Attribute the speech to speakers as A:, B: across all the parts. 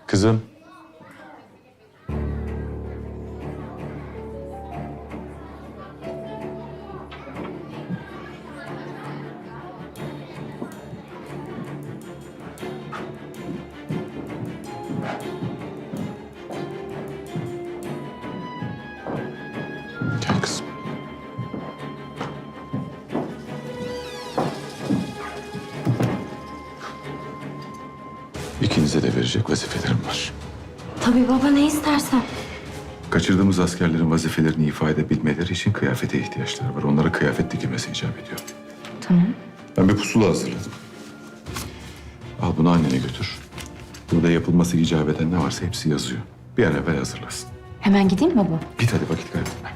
A: Kızım. Gel kızım. İkinize de verecek vazifelerim var.
B: Tabii baba, ne istersen.
A: Kaçırdığımız askerlerin vazifelerini ifade edebilmeleri için kıyafete ihtiyaçları var. Onlara kıyafet dikilmesi icap ediyor.
B: Tamam.
A: Ben bir pusula hazırladım. Al bunu annene götür. Burada yapılması icap eden ne varsa hepsi yazıyor. Bir an evvel hazırlasın.
B: Hemen gideyim mi baba?
A: Git hadi, vakit kaybetme.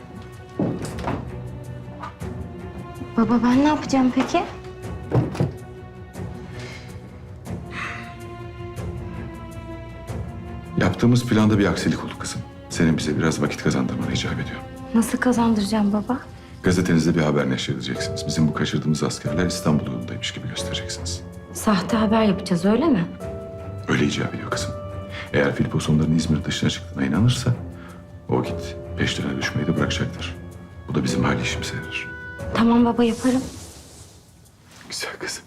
B: Baba, ben ne yapacağım peki?
A: Yaptığımız planda bir aksilik oldu kızım. Senin bize biraz vakit kazandırmanı icap ediyor.
B: Nasıl kazandıracağım baba?
A: Gazetenizde bir haber neşredeceksiniz. Bizim bu kaçırdığımız askerler İstanbul yolundaymış gibi göstereceksiniz.
B: Sahte haber yapacağız, öyle mi?
A: Öyle icap ediyor kızım. Eğer Filipos onların İzmir dışına çıktığına inanırsa... ...o vakit peşlerine düşmeyi de bırakacaktır. Bu da bizim hali işimize yarar.
B: Tamam baba, yaparım.
A: Güzel kızım.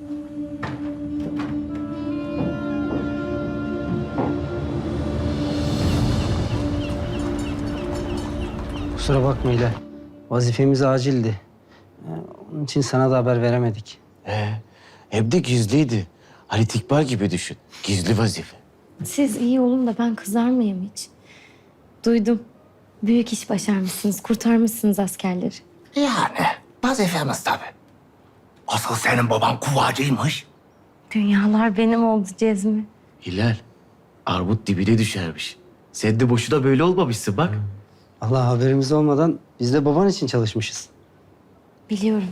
C: Kusura bakma Hilal. Vazifemiz acildi. Onun için sana da haber veremedik.
D: Hem de gizliydi. Halit İkbal gibi düşün. Gizli vazife.
B: Siz iyi olun da ben kızar mıyım hiç? Duydum. Büyük iş başarmışsınız, kurtarmışsınız askerleri.
D: Yani vazifemiz tabii. Asıl senin baban kuvacıymış.
B: Dünyalar benim oldu Cezmi.
D: Hilal, armut dibine düşermiş. Sen de boşuna böyle olmamışsın bak.
C: Allah, haberimiz olmadan biz de baban için çalışmışız.
B: Biliyorum.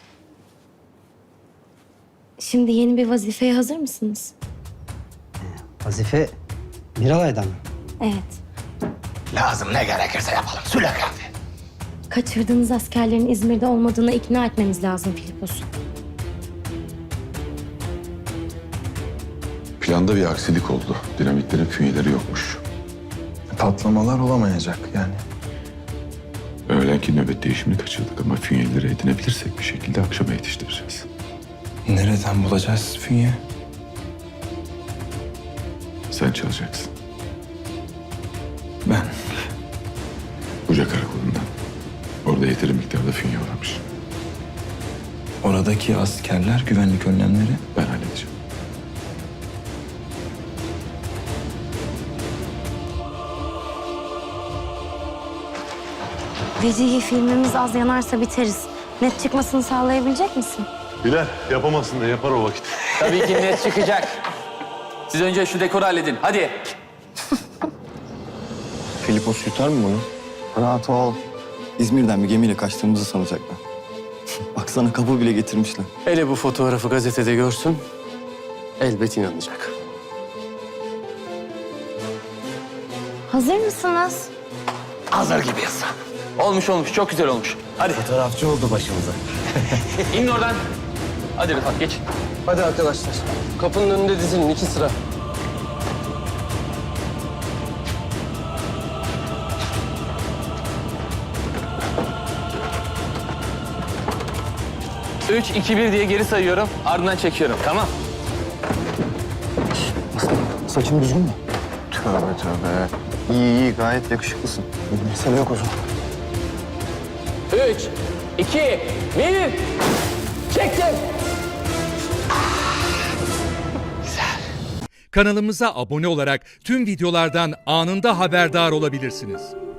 B: Şimdi yeni bir vazifeye hazır mısınız?
C: Vazife Miralay'dan mı?
B: Evet.
D: Lazım ne gerekirse yapalım Süleyman.
B: Kaçırdığınız askerlerin İzmir'de olmadığına ikna etmemiz lazım Filipos'u.
A: Planda bir aksilik oldu. Dinamitlerin fünyeleri yokmuş.
E: Patlamalar olamayacak yani.
A: Öğlenki nöbet değişimini kaçırdık ama fünyeleri edinebilirsek bir şekilde akşama yetiştireceğiz.
E: Nereden bulacağız fünye?
A: Sen çalacaksın.
E: Ben.
A: Buca karakolundan. Orada yeteri miktarda fünye varmış.
E: Oradaki askerler, güvenlik önlemleri.
A: Ben halledeceğim.
B: Vecihi filmimiz az yanarsa biteriz. Net çıkmasını sağlayabilecek misin?
F: Bilal yapamazsın da yapar o vakit.
G: Tabii ki net çıkacak. Siz önce şu dekoru halledin. Hadi.
E: Filipos yutar mı bunu?
H: Rahat ol. İzmir'den bir gemiyle kaçtığımızı sanacaklar. Baksana, kapı bile getirmişler.
I: Hele bu fotoğrafı gazetede görsün, elbet inanacak.
B: Hazır mısınız?
D: Hazır gibiyiz.
G: Olmuş olmuş. Çok güzel olmuş. Hadi.
D: Fotoğrafçı oldu başımıza.
G: İnin oradan. Hadi Rıfat geç.
I: Hadi arkadaşlar, kapının önünde dizilin 2 sıra.
G: Üç, iki, bir diye geri sayıyorum. Ardından çekiyorum. Tamam.
H: Saçın düzgün mü? Tövbe tövbe. İyi iyi, gayet yakışıklısın. Mesele yok o zaman.
G: 3, 2, 1. Çektim.
J: Kanalımıza abone olarak tüm videolardan anında haberdar olabilirsiniz.